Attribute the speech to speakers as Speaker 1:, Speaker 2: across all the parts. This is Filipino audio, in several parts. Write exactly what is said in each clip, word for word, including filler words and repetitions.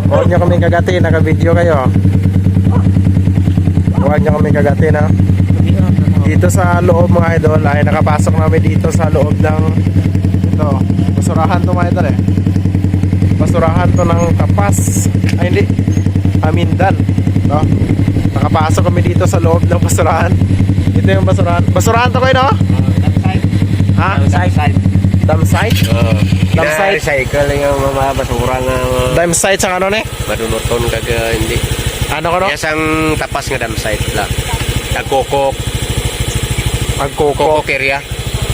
Speaker 1: Huwag nyo kami kagatin, naka-video kayo. Huwag nyo kami kagatin, ha. Dito sa loob mga idol ay nakapasok namin dito sa loob ng ito, basurahan to mga idol eh. Basurahan to ng Tapas. Ay hindi, Amindan, no? Nakapasok kami dito sa loob ng basurahan. Ito yung basurahan. Basurahan to kayo, no? Ha? Dam site?
Speaker 2: Oo.
Speaker 1: Dam site?
Speaker 2: Recycle yung mga basura nga
Speaker 1: Dam site sa ano ni?
Speaker 2: madunuton kag hindi.
Speaker 1: Ano ko no?
Speaker 2: Yes, ang Tapas nga dam site lang. Nagkokok,
Speaker 1: Magkoko.
Speaker 2: kokok area.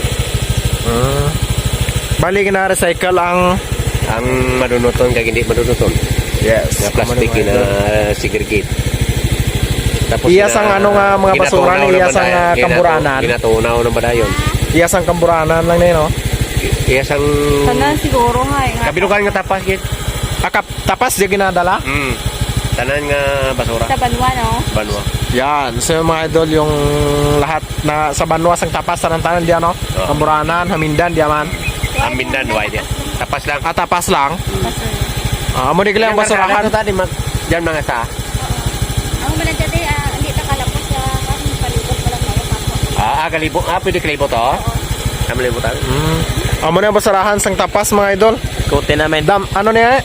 Speaker 1: Hmm. Bali na recycle ang
Speaker 2: Ang madunuton kag hindi madunuton.
Speaker 1: yes,
Speaker 2: Nga plastic
Speaker 1: mga
Speaker 2: na
Speaker 1: idol.
Speaker 2: segregate. Tapos
Speaker 1: Iyas ang ano nga mga basura ni iyas ang uh, kamburanan.
Speaker 2: Ginatunaw na ba dayon?
Speaker 1: Iyas ang kamburanan lang na yun, no?
Speaker 2: Iyas ang
Speaker 3: Tanan siguro nga eh. nga.
Speaker 2: kabilukan nga Tapas gid.
Speaker 1: Akap tapas di ginadala?
Speaker 2: Mm. Tanan nga basura.
Speaker 3: Sa Banwa, no?
Speaker 2: Banwa.
Speaker 1: Yan, so yung mga idol yung lahat na sa Banwas ang tapas sa tanan diyan, no?
Speaker 2: Oo.
Speaker 1: Kamburanan, Hamindan di man.
Speaker 2: Amindan wide. Tapas lang.
Speaker 1: Ah, tapas lang.
Speaker 3: Pastor.
Speaker 1: Ah, mo di kailang basurahan.
Speaker 2: Ito tadi mag diyan mga sa.
Speaker 3: Ang manan dati, ah, hindi ta kalapos sa kan palibot wala kayo kapwa.
Speaker 2: Ah, ah, kalibo. Ah, pwede kalibo to. Kami libo tayo.
Speaker 1: Mm. Amo na yung basurahan sang tapas mga idol.
Speaker 2: Kote namin.
Speaker 1: Dam ano niya?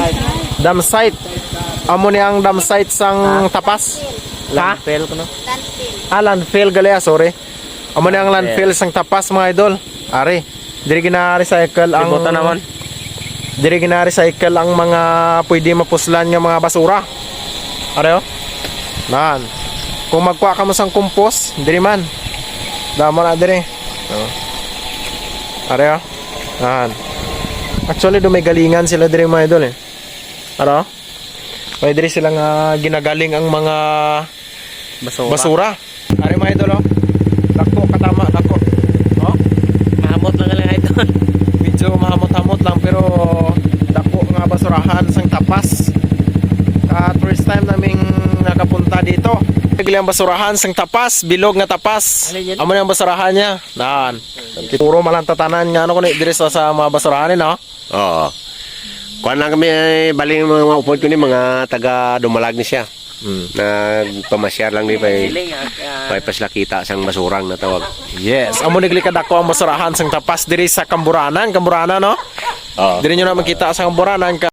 Speaker 1: Dam site. Amo ni ang dam site sang tapas. Ha?
Speaker 2: Landfill ko no.
Speaker 3: Landfill.
Speaker 1: Ah, landfill gali ah, sorry. Amo ni ang landfill sang tapas mga idol. Ari, diri gina-recycle ang
Speaker 2: Libutan naman.
Speaker 1: Diri gina-recycle ang mga pwede mapuslan nga mga basura. Ari oh. Nan. Kung magkuha ka mo sang compost, diri man. Damo na diri. Oh. Ari oh. Nan. Actually, do may galingan sila diri mga idol eh. Ano? May diri sila nga ginagaling ang mga
Speaker 2: Basura.
Speaker 1: basura. Ari mga idol oh. Dako katama, dako. Oh.
Speaker 2: Mahamot lang lang ito.
Speaker 1: Medyo mahamot-hamot lang pero dako nga basurahan sang Tapas. Ka first time naming nakapunta dito. Biglang basurahan sang Tapas, bilog nga Tapas. Amo na ang basurahan niya. Nan. Puro malantatanan nga ano ko ni diri sa, sa mga basurahan ni no.
Speaker 2: Oo. Kuan lang kami ay baling mga upod ko ni mga taga Dumalag ni siya.
Speaker 1: Hmm.
Speaker 2: Nagpamasyar lang ni pay pay paslakita sang basurang na tawag.
Speaker 1: Yes, amo nigli kadako ang basurahan sang Tapas diri sa Kamburanan, Kamburanan no.
Speaker 2: Oo.
Speaker 1: Diri nyo na makita sa Kamburanan ka